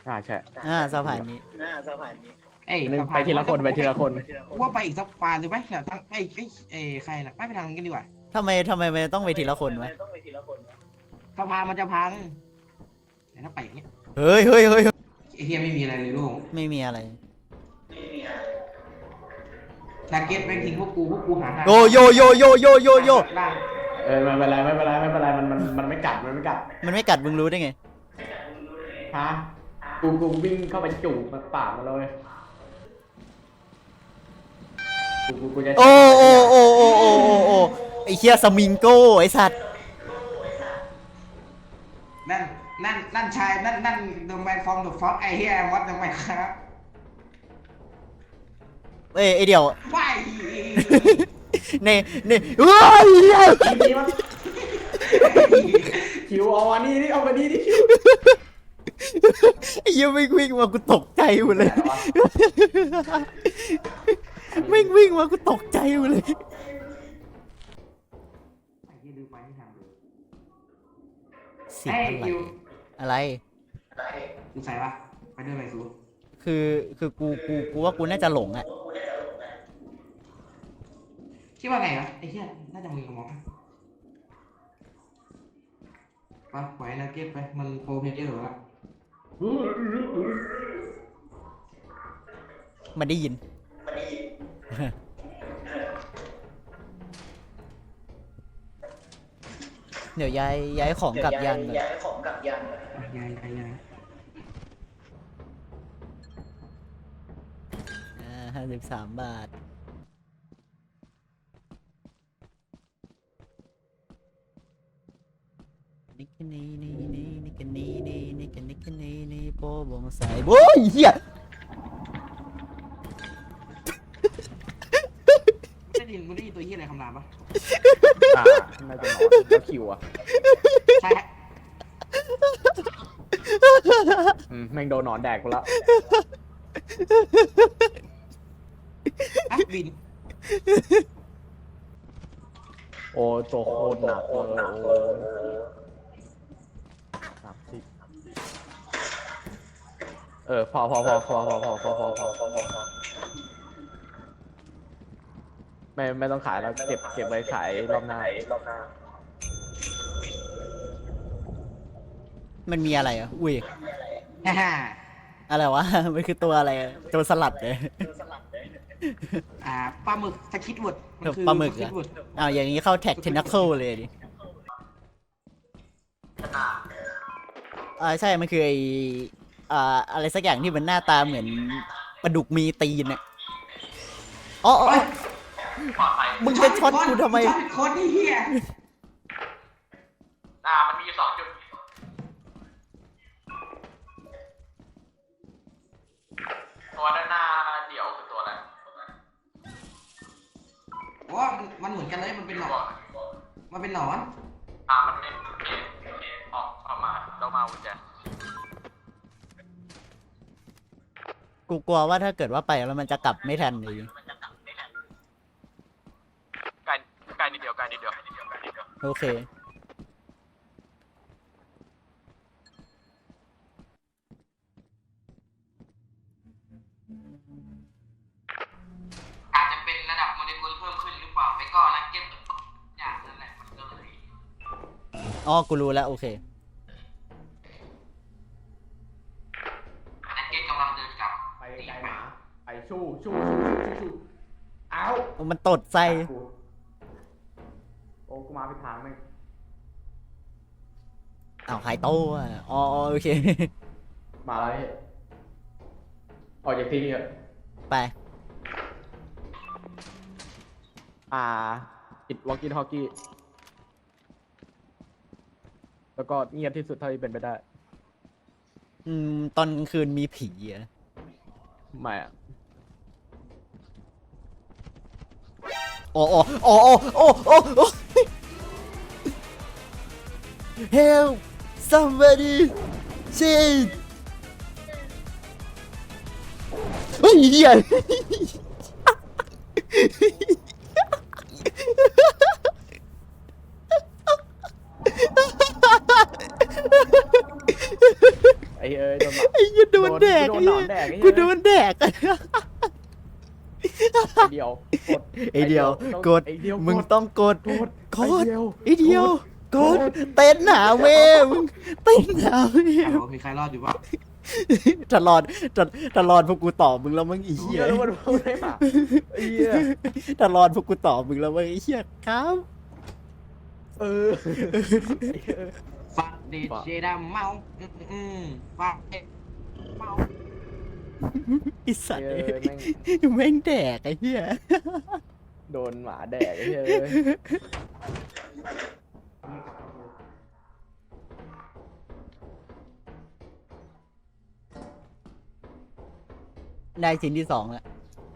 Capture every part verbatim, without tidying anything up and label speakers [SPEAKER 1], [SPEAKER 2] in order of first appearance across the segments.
[SPEAKER 1] อ่าใช่
[SPEAKER 2] อ่าสะพานนี้
[SPEAKER 3] เอ้ย
[SPEAKER 1] นึงไปทีละคนไปทีละคน
[SPEAKER 3] ว่าไปอีกสักปานหรือไหมเนี่ยทั้งไอ้ไอ้ไอ้ใครน่ะไม่ไปทางนั้นกันดีกว่า
[SPEAKER 2] ทำไมทำไมมันต้องไปทีละคนวะ
[SPEAKER 3] สะพานมันจะพังแต่ถ้าไปอย่างเงี้ย
[SPEAKER 2] เฮ้ยเฮ้ยเฮ้ย
[SPEAKER 3] ไอ้เฮียไม่มีอะไรเลยลูก
[SPEAKER 2] ไม่มีอะไร
[SPEAKER 3] ชาเก็ตแม่งทิ้งพวกกูพวกกูหาทาง
[SPEAKER 2] โยโยโยโยโยโยโย
[SPEAKER 3] ล่าง
[SPEAKER 1] เออไม่เป็นไรไม่เป็นไรไม่เป็นไรมันมันมันไม่กัดมันไม่กัด
[SPEAKER 2] มันไม่กัดมึงรู้ได้ไง
[SPEAKER 1] ฮะกูกูวิ่งเข้าไปจูบมันปากมันเลยกูกูกูจะ
[SPEAKER 2] โอ้โอ้โอ้โอ้โอ้โอ้โอ้ไอเคียสมิงโก้ไอสัตว์
[SPEAKER 3] นั่นนั่นนั่นชายนั่นนั่นเดอะแมนฟอร์มเดอะฟ็อกไอ้เฮียวัดยังไงครับ
[SPEAKER 2] เอ้ยไอเดียว
[SPEAKER 3] ว้าย
[SPEAKER 2] เน่เน่ว้าย
[SPEAKER 1] ทีนี้มันคิวเอาอันนี้นี่เอาอันนี้นี่คิว
[SPEAKER 2] ไอ้เหี้ยังวิ่งวิ่งมากูตกใจหมดเลยวิ่งวิ่งมากูตกใจหมดเลย
[SPEAKER 3] ไอ้เฮียดูไปไม่ทันเลย
[SPEAKER 2] เสีย
[SPEAKER 3] เอ้ย
[SPEAKER 2] ง
[SPEAKER 3] คิว
[SPEAKER 2] อะไร
[SPEAKER 3] กูใส่ปะไปด้วยไหมซู
[SPEAKER 2] คือคือกูกูกูว่ากูน่าจะหลงอ่ะ
[SPEAKER 3] คิดว่าไงวะไอ้เฮียน่าจะมึงกับมองไปปล่อยนะเก็บไปมันโปรเพลเยอร์หรอวะ
[SPEAKER 2] มันได้ยิน เดี๋ยวย้ายย้ายของกลับยันก่อน
[SPEAKER 3] ยายไปยาย
[SPEAKER 2] อ่าห้าสิบสามบาท นิกนี่นี่นี่นิกนี่นี่นิกนิกนี่นี่โปบงใส่โอ้ยเหี้ย
[SPEAKER 3] ไม่ได้ยินไม่ได้ยินตัวเฮียอะไรคำรามปะ
[SPEAKER 1] อ่าน่าจะนอนแล้วคิวอ่ะ
[SPEAKER 3] ใช่ฮะ
[SPEAKER 1] อืมแม่งโดนหนอนแดกกูแล้ว
[SPEAKER 3] อ่ะบิน
[SPEAKER 1] โอ้ตัวโคตรหนักเลยโอ้สามสิบเออพอพอพอพอพอพอพอพอพอพอไม่ไม่ต้องขายแล้วเก็บเก็บไว้ขายรอบหน้า
[SPEAKER 2] มันมีอะไรอ่ะ อุ้ย
[SPEAKER 3] ฮ่าฮ่า
[SPEAKER 2] อะไรวะ มันคือตัวอะไรอะตัวสลัดเลย
[SPEAKER 3] อ่าปลาหมึกสคิดวุดมันคือ
[SPEAKER 2] ปลาหมึก
[SPEAKER 3] สคิ
[SPEAKER 2] อะ
[SPEAKER 3] ดวุด
[SPEAKER 2] อ้าวอย่างนี้เข้าแท็กเทนัคเคิลเลยดิอ่าใช่ มันคือไออ่าอะไรสักอย่างที่มันหน้าตาเหมือนปลาดุกมีตีนอะอ๋ออ๋ออ๋อมึงจะช็อตกูทำไม
[SPEAKER 3] ช็อตโคตรนี่เฮีย
[SPEAKER 4] อ่ามันมีอยู่สองจุดตัวด้านหน้าเดี่ยวคือตัวอะไร
[SPEAKER 3] โอ้มันมันเหมือนกันเลยมันเป็นหนอนมันเป็นหนอน
[SPEAKER 4] อ่ามันเป็นโอเคโอเคออกออกมาต้องมาวุ้นแจ
[SPEAKER 2] กูกลัวว่าถ้าเกิดว่าไปแล้วมันจะกลับไม่ทันเลย
[SPEAKER 4] ไกลไกลนิดเดียวไกลนิดเดียว
[SPEAKER 2] โอเค
[SPEAKER 3] อาจจะเป็นระดับโมเลกุลเพิ่มขึ้นหรือเปล่าไม่ก็นักเก็ตอย่างนั้นแหละมันก็เลย
[SPEAKER 2] อ๋อ กูรู้แล้ว โอเค
[SPEAKER 3] นักเก็ตกำลังเดินกลับ
[SPEAKER 1] ไปไกลหมาไปชู้ชู้ชู้ชู้ชู้ชู้เอา
[SPEAKER 2] มันตดใส่
[SPEAKER 1] กูโอ้กูมาผิดทางไหม
[SPEAKER 2] อ้าวหายโต้อะอ๋ออ๋อโอเค
[SPEAKER 1] มาแล้วเนี่ยออกจากที่นี่เถอะ
[SPEAKER 2] ไป
[SPEAKER 1] อ่าปิดวอลกี้ทอกกี้แล้วก็เงียบที่สุดเท่าที่เป็นไปได้
[SPEAKER 2] อืม ตอนกลางคืนมีผีอะ
[SPEAKER 1] ไม่อะ
[SPEAKER 2] โอ้โอ้โอ้โอ้โอ้โอ้โอ้ Help somebody shit เฮ้ยเหี้ย
[SPEAKER 1] ไอ้เอ้ยโดนหมา
[SPEAKER 2] ไอ้เหี้ยโดนนแดก
[SPEAKER 1] กู
[SPEAKER 2] ไอ้
[SPEAKER 1] โดนหน
[SPEAKER 2] เหี้
[SPEAKER 1] อย นแดก
[SPEAKER 2] กูโดนแดก
[SPEAKER 1] ไอเดียวกด
[SPEAKER 2] ไอเดียวกด
[SPEAKER 1] ไอเดียว
[SPEAKER 2] มึงต้องกด
[SPEAKER 1] กด
[SPEAKER 2] กดไอเดียวกดเต้นหาเวมึงเต้นหาเว
[SPEAKER 3] ฮัลโหลมีใครรอดอยู่ปะ
[SPEAKER 2] ตลอดตลอดพวกกูตอบมึงแล้วมึงอี
[SPEAKER 1] เฮี
[SPEAKER 2] เหี้
[SPEAKER 1] ย
[SPEAKER 2] ย
[SPEAKER 1] แล้วมันพูดได้ปะไอ้เหี้ย
[SPEAKER 2] ตลอดพวกกูตอบมึงแล้วมึงอีเหี้ยครับ
[SPEAKER 1] เออ
[SPEAKER 3] ฟักเดชเจดาเมาอืมอืมฟักเดชเมา
[SPEAKER 2] ไอสัตว์
[SPEAKER 1] เออแม่ง
[SPEAKER 2] แม่งแดกไอ้เหี้ย
[SPEAKER 1] โดนหมาแดกไอ้เหี้ย
[SPEAKER 2] ได้ชิ้นที่สองแล้ว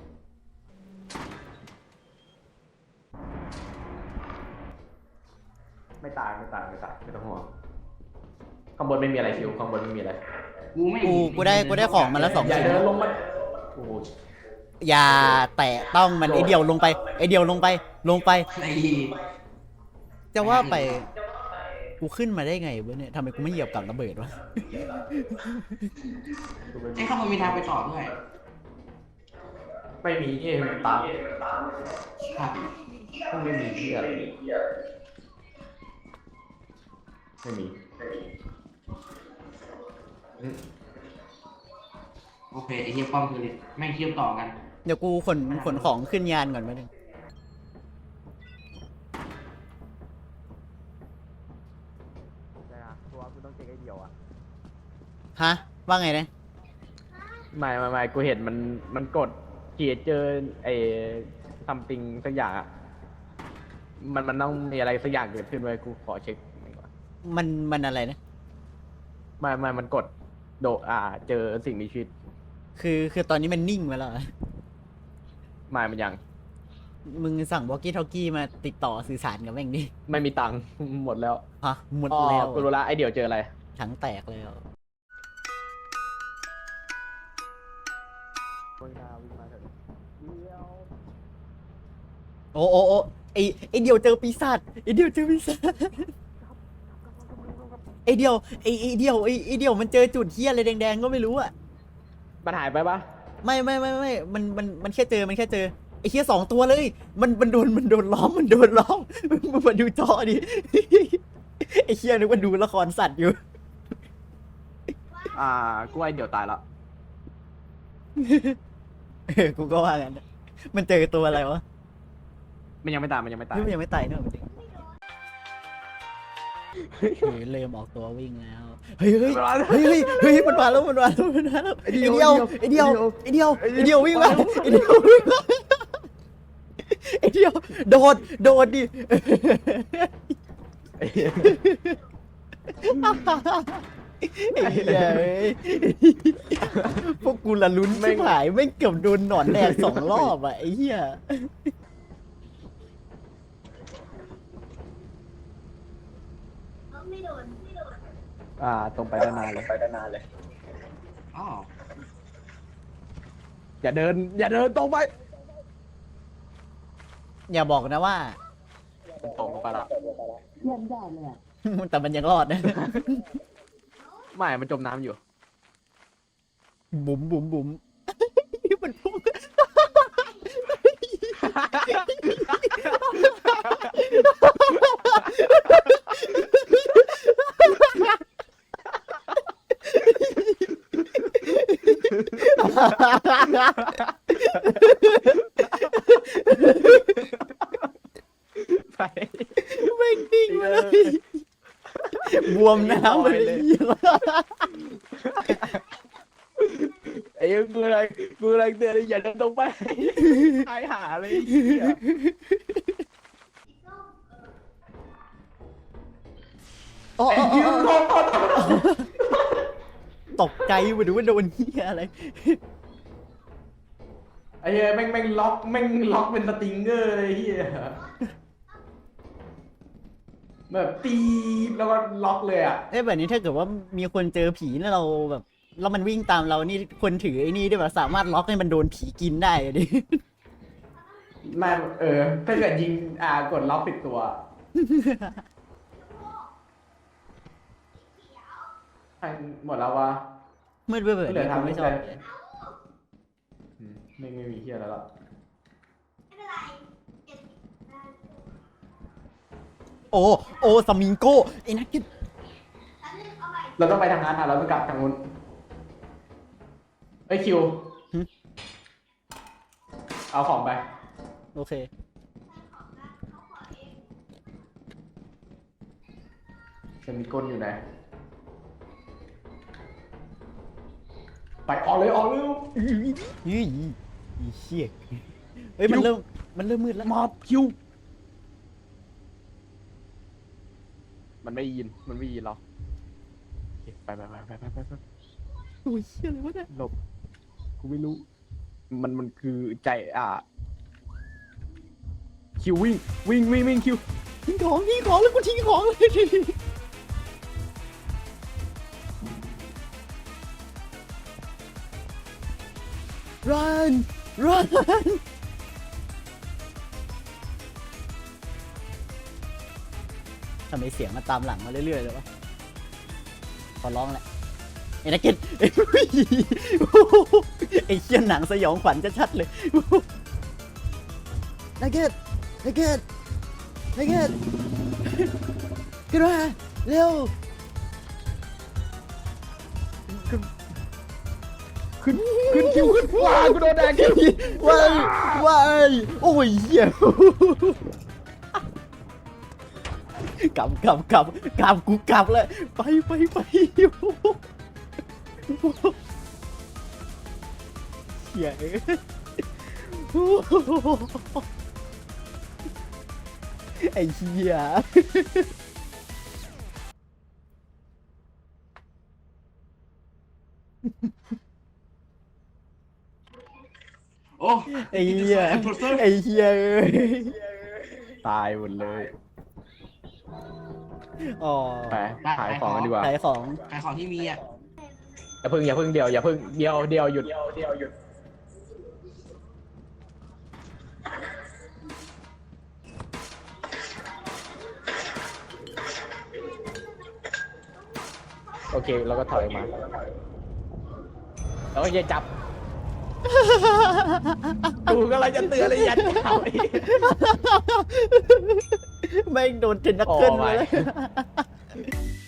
[SPEAKER 1] ไม่ตายไม่ตายไม่ตายไม่ต้องห่วงข้างบนไม่มีอะไรคิวข้างบนไม่มีอะไร
[SPEAKER 3] กูไม่
[SPEAKER 2] กูกูได้กูได้ของมาแล้วสอง
[SPEAKER 1] อย่า
[SPEAKER 2] ชิ้น
[SPEAKER 1] เดินลงมาโอ้โห
[SPEAKER 2] อย่าแตะต้องมันไอเดียวลงไปไอเดียวลงไปลงไป
[SPEAKER 3] ไอ้
[SPEAKER 2] จะว่าไป กูขึ้นมาได้ไงวะเนี่ยทำไมกูไม่เหยียบกับระเบิดวะ
[SPEAKER 3] ไอ้ข้างบนมีทางไปต่อด้วย
[SPEAKER 1] ไม่มีเอ็มตาม
[SPEAKER 3] ครับ
[SPEAKER 1] ไม่มีเหี้ยอะไรไม่มีอืม
[SPEAKER 3] โอเคไอ้เฮียป้อมคือแม่งเชื่อมต่อกัน
[SPEAKER 2] เดี๋ยวกูขนขนของขึ้นยานก่อนมาหนึ่ง
[SPEAKER 1] ตัวกูต้องเช็คไอเดียวอ่ะ
[SPEAKER 2] ฮะว่าไงนะ
[SPEAKER 1] ไม่ไม่ไม่กูเห็นมันมันกดเกียร์เจอไอ้ซัมติงสักอย่างอ่ะมันมันต้องมีอะไรสักอย่างเกิดขึ้นไว้กูขอเช็คหน่อยก่อน
[SPEAKER 2] มันมันอะไรนะ
[SPEAKER 1] ไม่ไม่มันกดโดอ่า เจอสิ่งมีชีวิต
[SPEAKER 2] คือคือตอนนี้มันนิ่งไปแล้วเหรอ
[SPEAKER 1] ไม่มันยัง
[SPEAKER 2] มึงสั่งวอ l กี้ทอ k กี้มาติดต่อสื่อสารกับแม่งดิ
[SPEAKER 1] ไม่มีตังค์ หมดแล้ว
[SPEAKER 2] ฮะหมด
[SPEAKER 1] อ๋อ
[SPEAKER 2] แล้ว
[SPEAKER 1] กูรู้ละไอเดียวเจออะไร
[SPEAKER 2] ถังแตกแล้วโอ้โอ้โอ้ไอไอเดียวเจอปีศาจไอเดียวเจอปีศาจไอเดียวไอไอเดียวไอไอเดียวมันเจอจุดเฮี้ยอะไรแดงๆก็ไม่รู้อะ
[SPEAKER 1] มันหายไปปะ
[SPEAKER 2] ไม่ไม่ไม่ไม่มันมันมันแค่เจอมันแค่เจอไอเฮี้ยสองตัวเลย มันมันโดนมันโดนล้อมมันโดนล้อมมึงมาดูจอดิ ไอเฮี้ยนึกว่าดูละครสัตว์อยู่
[SPEAKER 1] อ่า กูไอเดียวตายแล้ว
[SPEAKER 2] เออกูก็ว่างั้นนะมันเจอตัวอะไรวะ
[SPEAKER 1] มันยังไม่ตายมันยังไม่ตาย
[SPEAKER 2] นี่มันยังไม่ตายเนอะมันดิเฮ้ยเริ่มออกตัววิ่งแล้ว เฮ้ยเฮ้ยเฮ้ยเฮ้ยเฮ้ยมันมาแล้วมันมาแล้วมันมาแล้วไอเดียวไอเดียวไอเดียวไอเดียววิ่งมาไอเดียววิ่งมาไอเดียวโดดโดดดิ
[SPEAKER 1] ไอ้เหี้ย
[SPEAKER 2] ไอ้เหี้ยเอ้ยพวกกูละลุ้นไม่หายไม่งเกือบโดนหนอนแดงสองรอบอ่ะไอ้เหี้ย
[SPEAKER 1] อ่า ตรงไปด้านหน้าเลยไปด้านหน้าเลย
[SPEAKER 3] อ๋อ
[SPEAKER 1] อย่าเดิน อย่าเดินตรงไป
[SPEAKER 2] อย่าบอกนะว่า
[SPEAKER 1] ตรงไปละ
[SPEAKER 2] แต่มันยังรอดนะ
[SPEAKER 1] ไม่ มันจมน้ำอยู่
[SPEAKER 2] บุ๋มบุ๋มบุ๋มมันพุ่ง
[SPEAKER 1] ไป
[SPEAKER 2] ไม่งนิ่งมาเลย บวมน้ำไปเลย
[SPEAKER 1] ไอ้เหี้ยกูอะไรกูอะไรเตือนเลยอย่าเดินตรงไปหายหาเลยไอ้เหี้ย
[SPEAKER 2] อ๋อ
[SPEAKER 1] ไอ้เหี้ยโดน
[SPEAKER 2] ตกใจไปดูว่าโดนเหี้ยอะไร
[SPEAKER 1] ไอ้เหี้ยแม่งแม่งล็อกแม่งล็อกเป็นสติงเกอร์เลยไอ้เหี้ยแบบตีบแล้วก็ล็อกเลยอ่ะ
[SPEAKER 2] เอ้ยแบบนี้ถ้าเกิดว่ามีคนเจอผีแล้วเราแบบแล้วมันวิ่งตามเรานี่คนถือไอ้นี่ได้แบบสามารถล็อกให้มันโดนผีกินได้อะดิ
[SPEAKER 1] ไม่เออ ถ้าเกิดยิงอ่ากดล็อกปิดตัวให้หมดแล้ววะ
[SPEAKER 2] มืดเบื่อเบื่อ
[SPEAKER 1] เหลือ
[SPEAKER 2] กู
[SPEAKER 1] ทำ
[SPEAKER 2] ไม่
[SPEAKER 1] ไม่
[SPEAKER 2] ช
[SPEAKER 1] ช
[SPEAKER 2] อ
[SPEAKER 1] อ
[SPEAKER 2] บบ
[SPEAKER 1] ไม่ไม่มีเฮียอะไรละ
[SPEAKER 2] โอ้โอ้สมิงโก้ไอ้นักกิน
[SPEAKER 1] เราต้องไปทางนั้นอ่ะเราต้องกลับทางนู้นไอ้ยคิวเอาของไป
[SPEAKER 2] โอเค
[SPEAKER 1] จะมีก้นอยู่ไหนไปออกเลยออกเร็ว
[SPEAKER 2] ยี่อีเชี่ยเฮ้ยมันเริ่มมันเริ่มมืดแล้ว
[SPEAKER 1] มอบคิวมันไม่ยินมันไม่ยินเราโอเคไปไปไปไปไปไปไป
[SPEAKER 2] โอ้ยเชี่ยอะไรวะเนี่ย
[SPEAKER 1] หลบกูไม่รู้ มันมันคือใจอ่ะคิววิ่งวิ่งวิ่งวิ่งคิว
[SPEAKER 2] ทิ้งของทิ้งของแล้วกูทิ้งของเลย run run ทำไมเสียงมันตามหลังมาเรื่อยๆเลยวะขอร้องแหละไอ้นักกินไอ้ไอ้เชี่ยหนังสยองขวัญชัดๆเลยนักเก็ตนักเก็ตนักเก็ตขึ้นมาเร็ว
[SPEAKER 1] ขึ้นขึ้นคิวขึ้นว้ากูโดนแดงคิว
[SPEAKER 2] ว้ายว้ายโอ้ยเหี้ยกลับกลับกลับกลับกูกลับเลยไปไปไปเหี้ยเอ้ยไอ้เหี้ย
[SPEAKER 3] โอ้
[SPEAKER 2] ไอ้เหี้ยไอ้เหี้ยเอ้ย
[SPEAKER 1] ตายหมดเลย
[SPEAKER 2] อ๋อ
[SPEAKER 1] ไปขายของกันดีกว่า
[SPEAKER 2] ขายของ
[SPEAKER 3] ขายของที่มีอ่ะ
[SPEAKER 1] อย่าพึ่งอย่าพึ่งเดียวอย่าพึ่งเดียวเดียวหยุดเดียวเดียวหยุดโอเคเราก็ถอยออกมาแล้วก็อย่าจับกูกำลังจะเตือนเลยอย่าจับ
[SPEAKER 2] แม่งโดนเทนนักเกิล
[SPEAKER 1] โอ้
[SPEAKER 2] มา
[SPEAKER 1] my
[SPEAKER 2] เลย